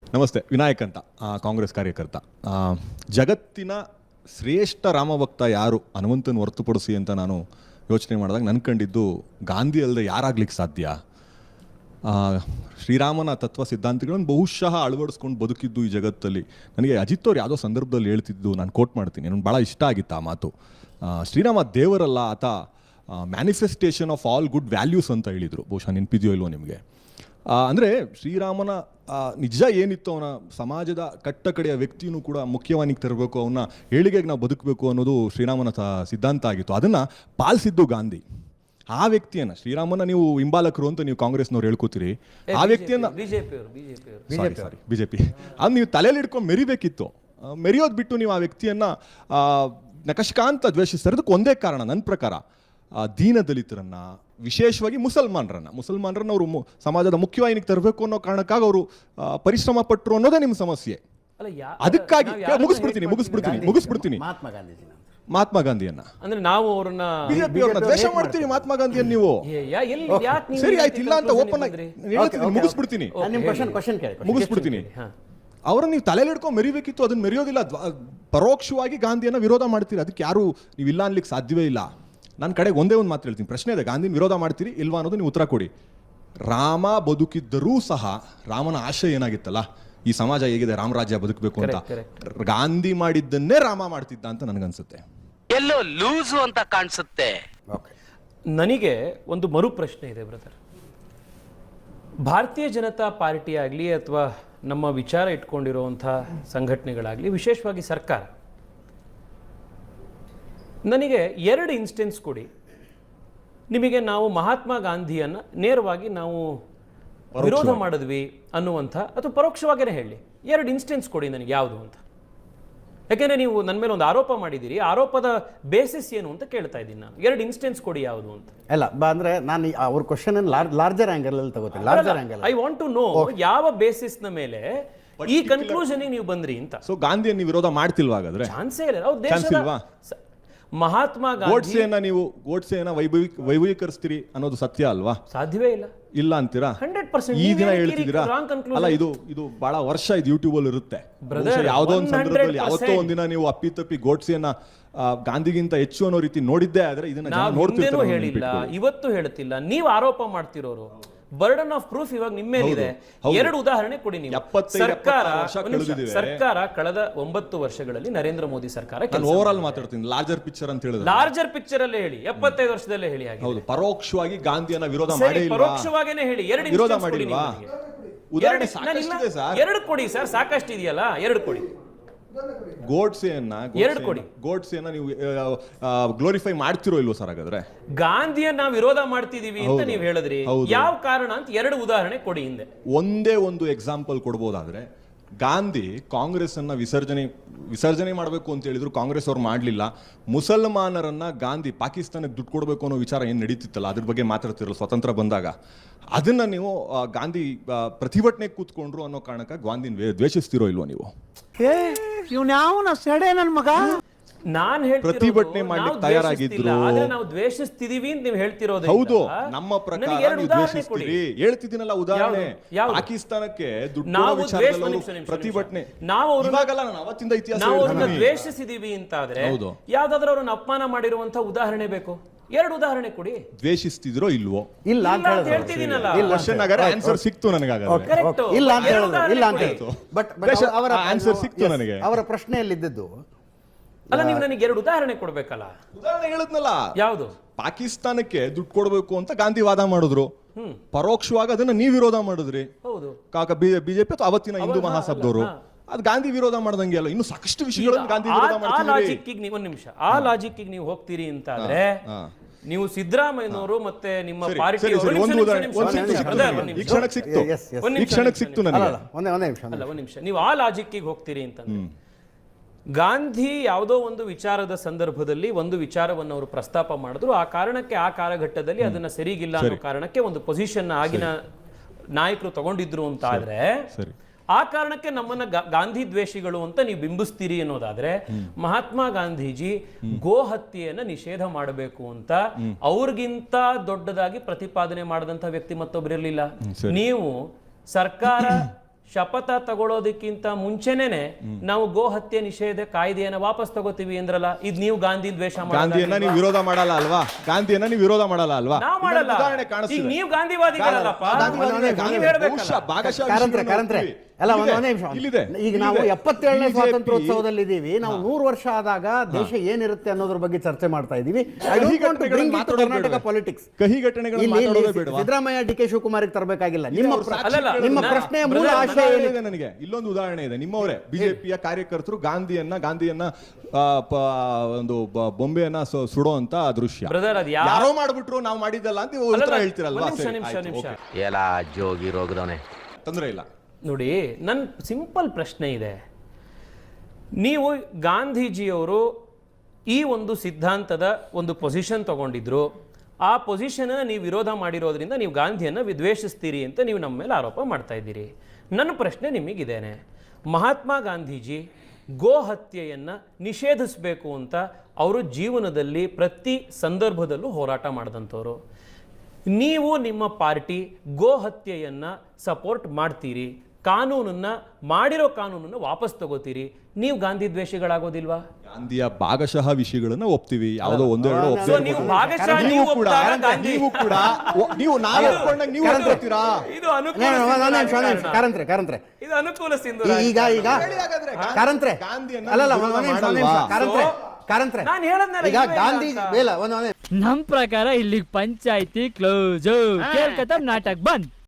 ನಮಸ್ತೆ. ವಿನಾಯಕ್ ಅಂತ, ಕಾಂಗ್ರೆಸ್ ಕಾರ್ಯಕರ್ತ. ಜಗತ್ತಿನ ಶ್ರೇಷ್ಠ ರಾಮಭಕ್ತ ಯಾರು ಹನುಮಂತನ ಹೊರತುಪಡಿಸಿ ಅಂತ ನಾನು ಯೋಚನೆ ಮಾಡಿದಾಗ ನನ್ನ ಕಂಡಿದ್ದು ಗಾಂಧಿ ಅಲ್ಲದೆ ಯಾರಾಗ್ಲಿಕ್ಕೆ ಸಾಧ್ಯ? ಶ್ರೀರಾಮನ ತತ್ವ ಸಿದ್ಧಾಂತಗಳನ್ನು ಬಹುಶಃ ಅಳವಡಿಸ್ಕೊಂಡು ಬದುಕಿದ್ದು ಈ ಜಗತ್ತಲ್ಲಿ. ನನಗೆ ಅಜಿತ್ ಅವ್ರು ಯಾವುದೋ ಸಂದರ್ಭದಲ್ಲಿ ಹೇಳ್ತಿದ್ದು, ನಾನು ಕೋಟ್ ಮಾಡ್ತೀನಿ, ನನಗೆ ಭಾಳ ಇಷ್ಟ ಆಗಿತ್ತು ಆ ಮಾತು. ಶ್ರೀರಾಮ ದೇವರಲ್ಲ, ಆತ manifestation of all good values ಅಂತ ಹೇಳಿದರು. ಬಹುಶಃ ನೆನಪಿದೆಯೋ ಇಲ್ವೋ ನಿಮಗೆ? ಅಂದರೆ ಶ್ರೀರಾಮನ ನಿಜ ಏನಿತ್ತು, ಅವನ ಸಮಾಜದ ಕಟ್ಟ ಕಡೆಯ ವ್ಯಕ್ತಿಯೂ ಕೂಡ ಮುಖ್ಯವಾನಿಗೆ ತರಬೇಕು, ಅವನ್ನ ಏಳಿಗೆಗೆ ನಾವು ಬದುಕಬೇಕು ಅನ್ನೋದು ಶ್ರೀರಾಮನ ಸಿದ್ಧಾಂತ ಆಗಿತ್ತು. ಅದನ್ನು ಪಾಲಿಸಿದ್ದು ಗಾಂಧಿ. ಆ ವ್ಯಕ್ತಿಯನ್ನು, ಶ್ರೀರಾಮನ ನೀವು ಹಿಂಬಾಲಕರು ಅಂತ ನೀವು ಕಾಂಗ್ರೆಸ್ನವ್ರು ಹೇಳ್ಕೊತೀರಿ, ಆ ವ್ಯಕ್ತಿಯನ್ನು ಬಿಜೆಪಿ ಅದು ನೀವು ತಲೆಯಲ್ಲಿ ಇಟ್ಕೊಂಡು ಮೆರಿಬೇಕಿತ್ತು. ಮೆರೆಯೋದು ಬಿಟ್ಟು ನೀವು ಆ ವ್ಯಕ್ತಿಯನ್ನು ನಕಶಕಾಂತ ದ್ವೇಷಿಸ್ತಾರೆ. ಅದಕ್ಕೆ ಒಂದೇ ಕಾರಣ ನನ್ನ ಪ್ರಕಾರ, ದೀನ ದಲಿತರನ್ನ, ವಿಶೇಷವಾಗಿ ಮುಸಲ್ಮಾನರನ್ನ ಅವರು ಸಮಾಜದ ಮುಖ್ಯವಾಹಿನಿಗೆ ತರಬೇಕು ಅನ್ನೋ ಕಾರಣಕ್ಕಾಗಿ ಅವರು ಪರಿಶ್ರಮ ಪಟ್ಟರು ಅನ್ನೋದೇ ನಿಮ್ಮ ಸಮಸ್ಯೆ. ಅದಕ್ಕಾಗಿ ಮುಗಿಸ್ಬಿಡ್ತೀನಿ ಮಹಾತ್ಮ ಗಾಂಧಿಯನ್ನ, ಅಂದ್ರೆ ನಾವು ಅವ್ರನ್ನ ಬಿಜೆಪಿ ಅವ್ರನ್ನ ದ್ವೇಷ ಮಾಡ್ತೀವಿ. ಮಹಾತ್ಮ ಗಾಂಧಿಯನ್ನ ನೀವು ಸರಿ ಆಯ್ತು ಇಲ್ಲ ಅಂತ ಓಪನ್ ಆಗಿ ಮುಗಿಸ್ಬಿಡ್ತೀನಿ. ಅವ್ರನ್ನ ನೀವು ತಲೆಯಲ್ಲಿ ಹಿಡ್ಕೊಂಡು ಮೆರಿಬೇಕಿತ್ತು, ಅದನ್ನ ಮೆರೆಯೋದಿಲ್ಲ. ಪರೋಕ್ಷವಾಗಿ ಗಾಂಧಿಯನ್ನ ವಿರೋಧ ಮಾಡ್ತೀರಿ. ಅದಕ್ಕೆ ಯಾರು ನೀವು ಇಲ್ಲ ಅನ್ಲಿಕ್ಕೆ ಸಾಧ್ಯವೇ ಇಲ್ಲ. ನನ್ನ ಕಡೆಗೆ ಒಂದೇ ಒಂದು ಮಾತು ಹೇಳ್ತೀನಿ, ಪ್ರಶ್ನೆ ಇದೆ, ಗಾಂಧಿನ ವಿರೋಧ ಮಾಡ್ತೀರಿ ಇಲ್ವಾ ಅನ್ನೋದು ನೀವು ಉತ್ತರ ಕೊಡಿ. ರಾಮ ಬದುಕಿದ್ದರೂ ಸಹ ರಾಮನ ಆಶಯ ಏನಾಗಿತ್ತಲ್ಲ, ಈ ಸಮಾಜ ಹೇಗಿದೆ, ರಾಮರಾಜ್ಯ ಬದುಕಬೇಕು ಅಂತ. ಗಾಂಧಿ ಮಾಡಿದ್ದನ್ನೇ ರಾಮ ಮಾಡ್ತಿದ್ದ ಅಂತ ನನಗನ್ಸುತ್ತೆ. ಎಲ್ಲೋ ಲೂಸು ಅಂತ ಕಾಣಿಸುತ್ತೆ. ನನಗೆ ಒಂದು ಮರು ಪ್ರಶ್ನೆ ಇದೆ ಬ್ರದರ್. ಭಾರತೀಯ ಜನತಾ ಪಾರ್ಟಿ ಆಗಲಿ ಅಥವಾ ನಮ್ಮ ವಿಚಾರ ಇಟ್ಕೊಂಡಿರುವಂಥ ಸಂಘಟನೆಗಳಾಗಲಿ, ವಿಶೇಷವಾಗಿ ಸರ್ಕಾರ, ನನಗೆ ಎರಡು ಇನ್ಸ್ಟೆನ್ಸ್ ಕೊಡಿ. ನಿಮಗೆ ನಾವು ಮಹಾತ್ಮ ಗಾಂಧಿಯನ್ನು ನೇರವಾಗಿ ನಾವು ವಿರೋಧ ಮಾಡಿದ್ವಿ ಅನ್ನುವಂಥ, ಅಥವಾ ಪರೋಕ್ಷವಾಗಿಯೇ ಹೇಳಿ, ಎರಡು ಇನ್ಸ್ಟೆನ್ಸ್ ಕೊಡಿ ನನಗೆ ಯಾವುದು ಅಂತ. ಯಾಕೆಂದರೆ ನೀವು ನನ್ನ ಮೇಲೆ ಒಂದು ಆರೋಪ ಮಾಡಿದ್ದೀರಿ, ಆರೋಪದ ಬೇಸಿಸ್ ಏನು ಅಂತ ಕೇಳ್ತಾ ಇದ್ದೀನಿ ನಾನು. ಎರಡು ಇನ್ಸ್ಟೆನ್ಸ್ ಕೊಡಿ ಯಾವುದು ಅಂತ. ಅಲ್ಲ ಅಂದ್ರೆ ನಾನು ಅವ್ರ ಕ್ವಶನ್ ಲಾರ್ಜರ್ ಆಂಗಲ್ ಅಲ್ಲಿ ತಗೋತೀನಿ. Larger angle I want to know ಯಾವ ಬೇಸಿಸ್ನ ಮೇಲೆ ಈ ಕನ್ಕ್ಲೂಷನ್ ನೀವು ಬಂದ್ರಿ ಅಂತ. ಸೊ ಗಾಂಧಿಯನ್ನು ನೀವು ವಿರೋಧ ಮಾಡ್ತಿಲ್ವಾ? ಹಾಗಾದ್ರೆ ಚಾನ್ಸೇ ಇಲ್ಲ. ಅವ್ರ ದೇಶದ ಮಹಾತ್ಮ ಗೋಡ್ಸೆಯನ್ನ ನೀವು ವೈಭವೀಕರಿಸ್ತೀರಿ ಅನ್ನೋದು ಸತ್ಯ ಅಲ್ವಾ? ಸಾಧ್ಯವೇ ಇಲ್ಲ. ಇಲ್ಲ ಅಂತೀರಾ? 100%. ಈ ದಿನ ಹೇಳ್ತಿದ್ದೀರಾ? ಅಲ್ಲ, ಇದು ಬಹಳ ವರ್ಷ ಇದು ಯೂಟ್ಯೂಬ್ ಅಲ್ಲಿ ಇರುತ್ತೆ. ಯಾವುದೋ ಒಂದು ಸಂದರ್ಭದಲ್ಲಿ ಯಾವತ್ತೋ ಒಂದಿನ ನೀವು ಅಪ್ಪಿತಪ್ಪಿ ಗೋಡ್ಸೆಯನ್ನ ಗಾಂಧಿಗಿಂತ ಹೆಚ್ಚು ಅನ್ನೋ ರೀತಿ ನೋಡಿದ್ದೇ ಆದ್ರೆ ಇದನ್ನ ನೋಡ್ತಿದ್ದೇನೋ ಹೇಳಿಲ್ಲ, ಇವತ್ತು ಹೇಳ್ತಿಲ್ಲ. ನೀವು ಆರೋಪ ಮಾಡ್ತಿರೋರು. ಬರ್ಡನ್ ಆಫ್ ಪ್ರೂಫ್ ಇವಾಗ ನಿಮ್ಮ ಮೇಲಿದೆ. ಎರಡು ಉದಾಹರಣೆ ಕೊಡಿ ನೀವು. ಸರ್ಕಾರ ಕಳೆದ 9 ವರ್ಷಗಳಲ್ಲಿ ನರೇಂದ್ರ ಮೋದಿ ಸರ್ಕಾರ, ಓವರ್ ಆಲ್ ಮಾತಾಡ್ತೀನಿ, ಲಾರ್ಜರ್ ಪಿಕ್ಚರ್ ಅಂತ ಹೇಳಿದ್ರೆ ಲಾರ್ಜರ್ ಪಿಕ್ಚರ್ ಅಲ್ಲೇ ಹೇಳಿ, 75 ವರ್ಷದಲ್ಲೇ ಹೇಳಿ. ಹೌದು, ಪರೋಕ್ಷವಾಗಿ ಗಾಂಧಿಯನ್ನ ವಿರೋಧ ಮಾಡಿ, ಪರೋಕ್ಷವಾಗೇನೆ ಹೇಳಿ. ಎರಡು ವಿರೋಧ ಮಾಡಿಲ್ವಾ? ಉದಾಹರಣೆ ಸಾಕಷ್ಟಿದೆ ಸರ್. ಎರಡು ಕೊಡಿ ಸರ್, ಸಾಕಷ್ಟು ಇದೆಯಲ್ಲ, ಎರಡು ಕೊಡಿ. ಗೋಡ್ಸೆಯನ್ನ ನೀವು ಗ್ಲೋರಿಫೈ ಮಾಡ್ತಿರೋ ಇಲ್ವೋ ಸರ್? ಹಾಗಾದ್ರೆ ಗಾಂಧಿಯನ್ನ ವಿರೋಧ ಮಾಡ್ತಿದೀವಿ ಅಂತ ನೀವು ಹೇಳಿದ್ರಿ, ಯಾವ ಕಾರಣ ಅಂತ ಎರಡು ಉದಾಹರಣೆ ಕೊಡಿ ಹಿಂದೆ. ಒಂದೇ ಒಂದು ಎಕ್ಸಾಂಪಲ್ ಕೊಡ್ಬೋದಾದ್ರೆ, ಗಾಂಧಿ ಕಾಂಗ್ರೆಸ್ ಅನ್ನ ವಿಸರ್ಜನೆ ಮಾಡಬೇಕು ಅಂತ ಹೇಳಿದ್ರು, ಕಾಂಗ್ರೆಸ್ ಅವ್ರು ಮಾಡಲಿಲ್ಲ. ಮುಸಲ್ಮಾನರನ್ನ ಗಾಂಧಿ ಪಾಕಿಸ್ತಾನಕ್ಕೆ ದುಡ್ಡು ಕೊಡಬೇಕು ಅನ್ನೋ ವಿಚಾರ ಏನು ನಡೀತಿತ್ತಲ್ಲ, ಅದ್ರ ಬಗ್ಗೆ ಮಾತಾಡ್ತಿರಲ್ಲ ಸ್ವತಂತ್ರ ಬಂದಾಗ, ಅದನ್ನ ನೀವು ಗಾಂಧಿ ಪ್ರತಿಭಟನೆ ಕೂತ್ಕೊಂಡ್ರು ಅನ್ನೋ ಕಾರಣಕ್ಕೆ ಗಾಂಧಿನ ದ್ವೇಷಿಸ್ತಿರೋ ಇಲ್ವೋ ನೀವು? ನಾನ್ ಪ್ರತಿಭಟನೆ ಮಾಡ್ಲಿಕ್ಕೆ ತಯಾರಾಗಿದ್ರು, ನಾವು ದ್ವೇಷಿಸ್ತಿದೀವಿ ಅಂತ ನೀವು ಹೇಳ್ತಿರೋದು. ಹೌದು, ನಮ್ಮ ಪ್ರಕಾರ ಹೇಳ್ತಿದ್ದೀನಲ್ಲ ಉದಾಹರಣೆ. ಪಾಕಿಸ್ತಾನಕ್ಕೆ ದುಡ್ಡು ಪ್ರತಿಭಟನೆ ನಾವು ಅವತ್ತಿಂದ ಇತಿಹಾಸ ದ್ವೇಷಿಸಿದೀವಿ ಅಂತಾದ್ರೆ ಯಾವ್ದಾದ್ರು ಅವ್ರನ್ನ ಅಪಮಾನ ಮಾಡಿರುವಂತ ಉದಾಹರಣೆ ಬೇಕು? ಎರಡು ಉದಾಹರಣೆ ಕೊಡಿ. ದ್ವೇಷಿಸ್ತಿದ್ರೋ ಇಲ್ವೋ? ಇಲ್ಲ ಅಂತ ಹೇಳ್ತಿದ್ದೀನಲ್ಲ, ಆನ್ಸರ್ ಸಿಕ್ತು ನನಗೆ. ಇಲ್ಲ ಅಂತ ಹೇಳಿದ್ರು. ಬಟ್ ಅವರ ಆನ್ಸರ್ ಸಿಕ್ತು ನನಗೆ. ಅವರ ಪ್ರಶ್ನೆಯಲ್ಲಿದ್ದದ್ದು ಅಲ್ಲ, ನೀವು ನನಗೆ ಎರಡು ಉದಾಹರಣೆ ಕೊಡ್ಬೇಕಲ್ಲ. ಉದಾಹರಣೆ ಹೇಳಿದ್ನಲ್ಲ, ಯಾವುದು? ಪಾಕಿಸ್ತಾನಕ್ಕೆ ದುಡ್ಡು ಕೊಡಬೇಕು ಅಂತ ಗಾಂಧಿ ವಾದ ಮಾಡಿದ್ರು, ಪರೋಕ್ಷವಾಗಿ ಅದನ್ನ ನೀವು ವಿರೋಧ ಮಾಡಿದ್ರಿ. ಹೌದು, ಬಿಜೆಪಿ ಅಥವಾ ಅವತ್ತಿನ ಹಿಂದೂ ಮಹಾಸಭದವರು. ಅದು ಗಾಂಧಿ ವಿರೋಧ ಮಾಡ್ದಂಗೆ ಅಲ್ಲ, ಇನ್ನು ಸಾಕಷ್ಟು ವಿಷಯಗಳನ್ನು ಗಾಂಧಿ ವಿರೋಧ ಮಾಡ್ತಿದ್ದಾರೆ. ಒಂದು ನಿಮಿಷ, ಆ ಲಾಜಿಕ್ ನೀವು ಹೋಗ್ತೀರಿ ಅಂತಾದ್ರೆ ನೀವು ಸಿದ್ದರಾಮಯ್ಯನವರು ಮತ್ತೆ ನಿಮ್ಮ ಪಾರ್ಟಿ ನೀವು ಆ ಲಾಜಿಕ್ ಹೋಗ್ತೀರಿ ಅಂತಂದ್ರೆ, ಗಾಂಧಿ ಯಾವುದೋ ಒಂದು ವಿಚಾರದ ಸಂದರ್ಭದಲ್ಲಿ ಒಂದು ವಿಚಾರವನ್ನು ಅವರು ಪ್ರಸ್ತಾಪ ಮಾಡಿದ್ರು, ಆ ಕಾರಣಕ್ಕೆ ಆ ಕಾಲಘಟ್ಟದಲ್ಲಿ ಅದನ್ನ ಸರಿಗಿಲ್ಲ ಅನ್ನೋ ಕಾರಣಕ್ಕೆ ಒಂದು ಪೊಸಿಷನ್ ಆಗಿನ ನಾಯಕರು ತಗೊಂಡಿದ್ರು ಅಂತ ಆದ್ರೆ, ಆ ಕಾರಣಕ್ಕೆ ನಮ್ಮನ್ನ ಗಾಂಧಿ ದ್ವೇಷಿಗಳು ಅಂತ ನೀವು ಬಿಂಬಿಸ್ತೀರಿ ಅನ್ನೋದಾದ್ರೆ, ಮಹಾತ್ಮ ಗಾಂಧೀಜಿ ಗೋ ಹತ್ಯೆಯನ್ನ ನಿಷೇಧ ಮಾಡಬೇಕು ಅಂತ ಅವ್ರಿಗಿಂತ ದೊಡ್ಡದಾಗಿ ಪ್ರತಿಪಾದನೆ ಮಾಡಿದಂತ ವ್ಯಕ್ತಿ ಮತ್ತೊಬ್ಬರಿರ್ಲಿಲ್ಲ. ನೀವು ಸರ್ಕಾರ ಶಪಥ ತಗೊಳ್ಳೋದಕ್ಕಿಂತ ಮುಂಚೆನೇನೆ ನಾವು ಗೋ ಹತ್ಯೆ ನಿಷೇಧ ಕಾಯ್ದೆಯನ್ನ ವಾಪಸ್ ತಗೋತೀವಿ ಅಂದ್ರಲ್ಲ, ಇದ್ ನೀವು ಗಾಂಧಿ ದ್ವೇಷ ಗಾಂಧಿಯನ್ನ ನೀವು ವಿರೋಧ ಮಾಡಲ್ಲ ಅಲ್ವಾ? ಗಾಂಧಿಯನ್ನ ನೀವು ವಿರೋಧ ಮಾಡಲ್ಲ ಅಲ್ವಾ? ನಾವು ಮಾಡಲ್ಲ. ಉದಾಹರಣೆ ಈಗ ಕಾಣಿಸ್ತಿದೆ. ನೀವು ಗಾಂಧಿವಾದಿಗಳಲ್ಲಪ್ಪ, ನೀವ್ ಹೇಳ್ಬೇಕಲ್ಲ. ಭಾಗಶಃ ಕಾರಂತ್ರೆ ಅಲ್ಲ, ಇಲ್ಲಿದೆ, ಒಂದೇ ನಿಮಿಷ. ಇಲ್ಲಿದೆ. ಈಗ ನಾವು ಇಲ್ಲಿದೆ. 77ನೇ BJP ಸ್ವಾತಂತ್ರ್ಯೋತ್ಸವದಲ್ಲಿ ಇದ್ದೀವಿ. ನಾವು 100 ವರ್ಷ ಆದಾಗ ದೇಶ ಏನಿರುತ್ತೆ ಅನ್ನೋದ್ರ ಬಗ್ಗೆ ಚರ್ಚೆ ಮಾಡ್ತಾ ಇದೀವಿ. ಕರ್ನಾಟಕ ಪಾಲಿಟಿಕ್ಸ್ ಕಹಿ ಘಟನೆಗಳನ್ನ ಮಾತಾಡೋದೇ ಬೇಡವಾ? ಸಿದ್ದರಾಮಯ್ಯ ಡಿ ಕೆ ಶಿವಕುಮಾರ್ ತರಬೇಕಾಗಿಲ್ಲ. ಅಲ್ಲಲ್ಲ, ನಿಮ್ಮ ನಾನು- ಪ್ರಶ್ನೆಯ ಮೂಲ brother, ಆಶಯ ಉದಾಹರಣೆ ಏನಿದೆ? ಇದೆ ನನಗೆ. ಇಲ್ಲೊಂದು ಉದಾಹರಣೆ ಇದೆ. ನಿಮ್ಮವರೇ ಬಿಜೆಪಿಯ ಕಾರ್ಯಕರ್ತರು ಗಾಂಧಿಯನ್ನ ಒಂದು ಬೊಂಬೆಯನ್ನ ಸುಡೋ ಅಂತ ದೃಶ್ಯ Brother, ಅದ್ ಯಾರೋ ಮಾಡ್ಬಿಟ್ರು, ನಾವು ಮಾಡಿದ್ದಲ್ಲ ಅಂತ ಉತ್ತರ ಅಲ್ಲಲ್ಲ, ಹೇಳ್ತಿರಲ್ವಾ? ಒಂದ್ ನಿಮಿಷ, ಸರಿ, ನಿಮಿಷ, ಆಯ್ತು, ನಿಮಿಷ. ಓಕೆ. ಎಲ್ಲ ಜೋಗಿ ರೋಗದವನೆ. ತೊಂದ್ರೆ ಇಲ್ಲ. ನೋಡಿ, ನನ್ನ ಸಿಂಪಲ್ ಪ್ರಶ್ನೆ ಇದೆ. ನೀವು ಗಾಂಧೀಜಿಯವರು ಈ ಒಂದು ಸಿದ್ಧಾಂತದ ಒಂದು ಪೊಸಿಷನ್ ತಗೊಂಡಿದ್ರು, ಆ ಪೊಸಿಷನ್ ನೀವು ವಿರೋಧ ಮಾಡಿರೋದ್ರಿಂದ ನೀವು ಗಾಂಧಿಯನ್ನು ವಿದ್ವೇಷಿಸ್ತೀರಿ ಅಂತ ನೀವು ನಮ್ಮ ಮೇಲೆ ಆರೋಪ ಮಾಡ್ತಾ ಇದ್ದೀರಿ. ನನ್ನ ಪ್ರಶ್ನೆ ನಿಮಗಿದ್ದೇನೆ, ಮಹಾತ್ಮ ಗಾಂಧೀಜಿ ಗೋ ಹತ್ಯೆಯನ್ನು ನಿಷೇಧಿಸಬೇಕು ಅಂತ ಅವರು ಜೀವನದಲ್ಲಿ ಪ್ರತಿ ಸಂದರ್ಭದಲ್ಲೂ ಹೋರಾಟ ಮಾಡಿದಂಥವ್ರು. ನೀವು ನಿಮ್ಮ ಪಾರ್ಟಿ ಗೋ ಹತ್ಯೆಯನ್ನು ಸಪೋರ್ಟ್ ಮಾಡ್ತೀರಿ, ಮಾಡಿರೋ ಕಾನೂನನ್ನು ವಾಪಸ್ ತಗೋತೀರಿ, ನೀವು ಗಾಂಧಿ ದ್ವೇಷಿಗಳಾಗೋದಿಲ್ವಾ? ಗಾಂಧಿಯ ಭಾಗಶಃ ವಿಷಯಗಳನ್ನ ಒಪ್ತೀವಿ, ಯಾವುದೋ ಒಂದೆರಡು So, ನೀವು ಭಾಗಶಃ ನೀವು ಒಪ್ಪಿದಾಗ ಗಾಂಧಿ- ನೀವು ನಾವು ಒಪ್ಕೊಂಡಾಗ ನೀವು ಒಪ್ಕೊಳ್ತೀರಾ? ಇದು ಅನುಕೂಲ ಕಾರಂತ್ರೆ ಇದು ಅನುಕೂಲ ಸಿಂಧು ಈಗ ಕಾರಂತ್ರೆ ಗಾಂಧಿಯನ್ನ ಅಲ್ಲಲ್ಲ, ವಿರೋಧ ಒಂದ್ ನಿಮಿಷ, ಮಾಡಲ್ವಾ? ಕಾರಂತ್ರೆ ನಾನು ಹೇಳದ್ನಲ್ಲ, ಈಗ ಇಲ್ವೇ ಗಾಂಧಿ ಇಲ್ಲ ಅಂತ. ಇಲ್ಲ ಒಂದ್ ನಮ್ ಪ್ರಕಾರ ಇಲ್ಲಿಗೆ ಪಂಚಾಯ್ತಿ ಕ್ಲೋಸ್, ಕೇಳ್ಕತ್ತ ನಾಟಕ ಬಂದ್.